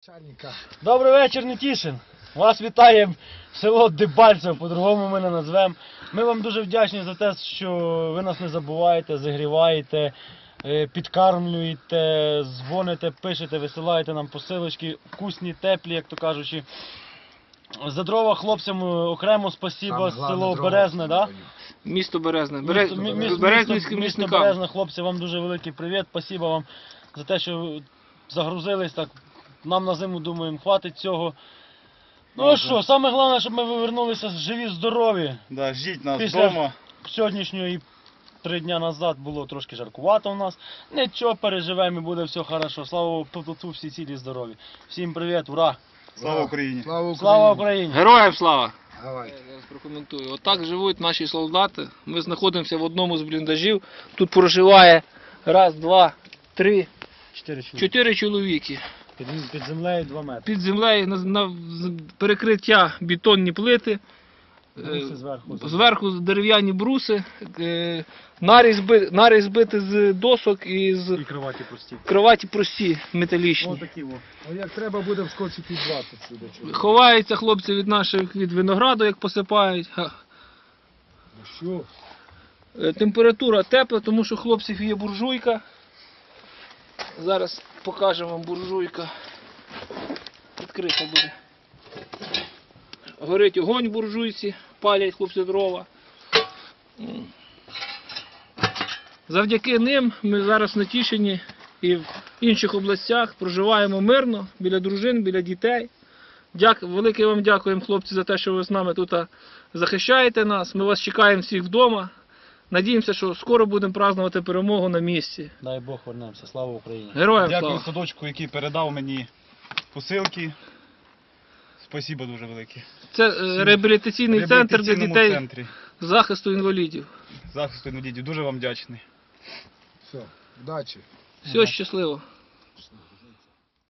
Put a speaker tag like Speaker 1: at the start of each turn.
Speaker 1: Добрий вечір, Нетішин. Вас вітає село Дебальцево, по-другому ми не назвемо. Ми вам дуже вдячні за те, що ви нас не забуваєте, зігріваєте, підкармлюєте, дзвоните, пишете, висилаєте нам посилочки, вкусні, теплі, як то кажучи. За дрова хлопцям окремо спасибо, село Березне, да?
Speaker 2: Місто Березне.
Speaker 1: Місто Березне, хлопці, вам дуже великий привіт, спасибо вам за те, що загрузились так. Нам на зиму, думаємо, хватить цього. Ну а що, саме головне, щоб ми повернулися живі, здорові.
Speaker 3: Да, ждіть нас
Speaker 1: Після
Speaker 3: вдома.
Speaker 1: Сьогоднішнього і 3 дня назад було трошки жаркувато у нас. Нічого, переживемо і буде все хорошо. Слава Отцу, всі цілі здорові. Всім привіт, ура!
Speaker 3: Слава Україні!
Speaker 1: Слава Україні!
Speaker 2: Героям слава!
Speaker 4: Давай.
Speaker 2: Я зараз прокоментую. Отак живуть наші солдати. Ми знаходимося в одному з бліндажів. Тут проживає раз, два, три, 4 чоловіки.
Speaker 1: Під землею 2 метри.
Speaker 2: Під землею на перекриття бетонні плити.
Speaker 1: Бруси зверху.
Speaker 2: Зверху дерев'яні бруси, наріз збити з досок і з
Speaker 1: І кроваті прості.
Speaker 2: кроваті прості, металічні.
Speaker 1: Ось такі во.
Speaker 4: Ну як треба буде вскочити 20 сюди.
Speaker 2: Ховаються хлопці від винограду, як посипають.
Speaker 4: Ну що?
Speaker 2: Температура тепла, тому що у хлопців є буржуйка. Зараз покажемо вам буржуйка. Відкрита буде. Горить огонь в буржуйці, палять хлопці дрова. Завдяки ним ми зараз в Нетішині і в інших областях проживаємо мирно, біля дружин, біля дітей. Велике вам дякуємо, хлопці, за те, що ви з нами тут захищаєте нас. Ми вас чекаємо всіх вдома. Надіємося, що скоро будемо празднувати перемогу на місці.
Speaker 1: Дай Бог, вернемося. Слава Україні!
Speaker 2: Героям
Speaker 3: Дякую
Speaker 2: слава!
Speaker 3: садочку, який передав мені посилки. Спасибо дуже велике.
Speaker 2: Це реабілітаційний центр для
Speaker 3: Реабілітаційному
Speaker 2: дітей
Speaker 3: центрі
Speaker 2: захисту інвалідів.
Speaker 3: захисту інвалідів. Дуже вам вдячний.
Speaker 4: Все, удачі.
Speaker 2: Все, щасливо!